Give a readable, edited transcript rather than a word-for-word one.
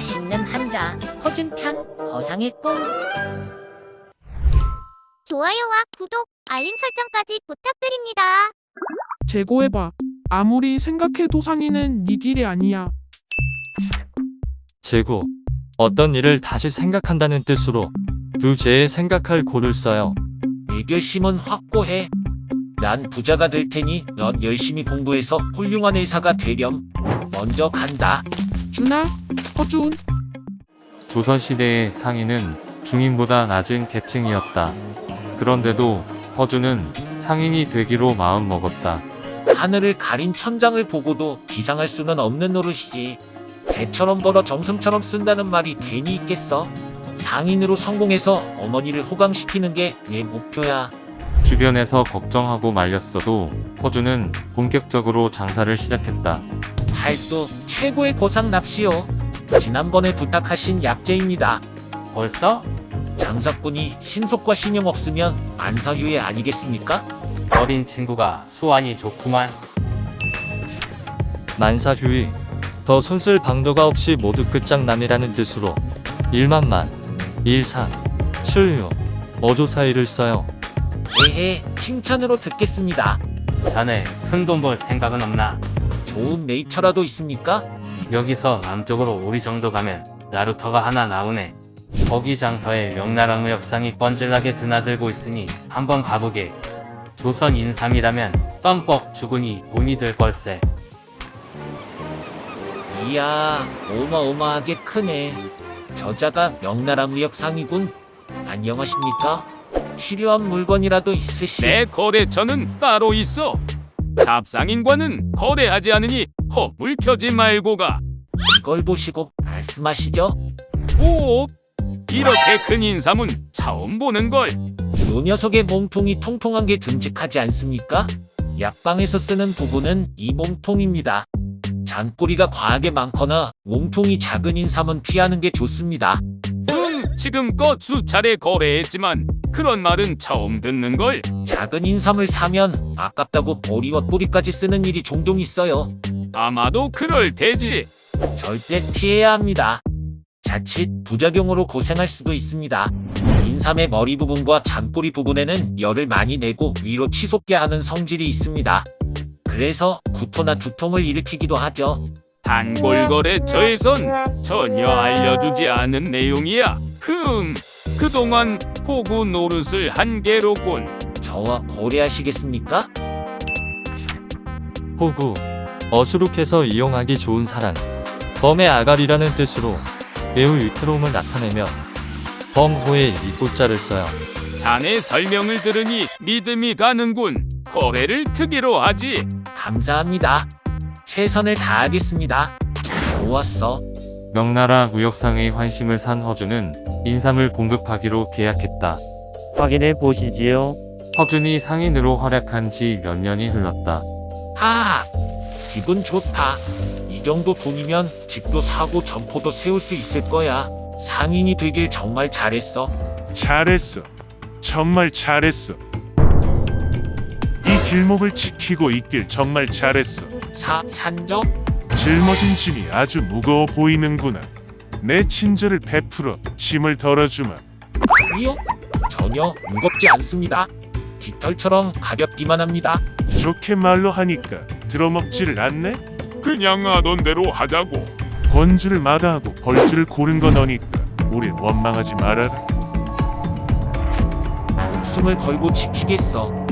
맛있는 한자, 허준 편, 거상의 꿈. 좋아요와 구독, 알림 설정까지 부탁드립니다. 재고해봐. 아무리 생각해도 상의는 네 길이 아니야. 재고. 어떤 일을 다시 생각한다는 뜻으로 두 재에 생각할 고를 써요. 내 결심은 확고해. 난 부자가 될 테니 넌 열심히 공부해서 훌륭한 의사가 되렴. 먼저 간다. 준아, 허준. 조선시대의 상인은 중인보다 낮은 계층이었다. 그런데도 허준은 상인이 되기로 마음먹었다. 하늘을 가린 천장을 보고도 비상할 수는 없는 노릇이지. 배처럼 벌어 정승처럼 쓴다는 말이 괜히 있겠어. 상인으로 성공해서 어머니를 호강시키는 게 내 목표야. 주변에서 걱정하고 말렸어도 허준은 본격적으로 장사를 시작했다. 팔도 최고의 보상 납시오. 지난번에 부탁하신 약재입니다. 벌써? 장사꾼이 신속과 신용 없으면 안사휴에 아니겠습니까? 어린 친구가 수완이 좋구만. 만사휴이. 더 손쓸 방도가 없이 모두 끝장남이라는 뜻으로 일만만, 일사, 칠유, 어조 사이를 써요. 에헤, 칭찬으로 듣겠습니다. 자네 큰 돈 벌 생각은 없나? 좋은 네이처라도 있습니까? 여기서 남쪽으로 우리 정도 가면 나루터가 하나 나오네. 거기 장터에 명나라 무역상이 뻔질나게 드나들고 있으니 한번 가보게. 조선 인삼이라면 껌뻑 죽으니 돈이 될 걸세. 이야, 어마어마하게 크네. 저자가 명나라 무역상이군. 안녕하십니까? 필요한 물건이라도 있으시? 내 거래처는 따로 있어. 잡상인과는 거래하지 않으니 헛물 켜지 말고 가. 이걸 보시고 말씀하시죠. 오, 이렇게 큰 인삼은 처음 보는 걸. 요 녀석의 몸통이 통통한 게 듬직하지 않습니까? 약방에서 쓰는 도구는 이 몸통입니다. 잔꼬리가 과하게 많거나 몸통이 작은 인삼은 피하는 게 좋습니다. 지금껏 수차례 거래했지만 그런 말은 처음 듣는 걸. 작은 인삼을 사면 아깝다고 머리와 뿌리까지 쓰는 일이 종종 있어요. 아마도 그럴 테지. 절대 피해야 합니다. 자칫 부작용으로 고생할 수도 있습니다. 인삼의 머리 부분과 잔꼬리 부분에는 열을 많이 내고 위로 치솟게 하는 성질이 있습니다. 그래서 구토나 두통을 일으키기도 하죠. 단골 거래처에선 전혀 알려주지 않은 내용이야. 그동안 호구 노릇을 한 게로군. 저와 거래하시겠습니까? 호구. 어수룩해서 이용하기 좋은 사람. 범의 아가리라는 뜻으로 매우 위태로움을 나타내며 범호에 이 꽃자를 써요. 자네 설명을 들으니 믿음이 가는군. 거래를 특이로 하지. 감사합니다. 최선을 다하겠습니다. 좋았어. 명나라 무역상의 환심을 산 허준은 인삼을 공급하기로 계약했다. 확인해 보시지요. 허준이 상인으로 활약한 지 몇 년이 흘렀다. 하하, 기분 좋다. 이 정도 돈이면 집도 사고 점포도 세울 수 있을 거야. 상인이 되길 정말 잘했어. 잘했어. 정말 잘했어. 이 길목을 지키고 있길 정말 잘했어. 산적? 짊어진 짐이 아주 무거워 보이는구나. 내 친절을 베풀어 짐을 덜어주마. 아니요, 전혀 무겁지 않습니다. 깃털처럼 가볍기만 합니다. 좋게 말로 하니까 들어먹지를 않네? 그냥 하던 대로 하자고. 권주를 마다하고 벌주를 고른 거 너니까 우릴 원망하지 말아라. 목숨을 걸고 지키겠어.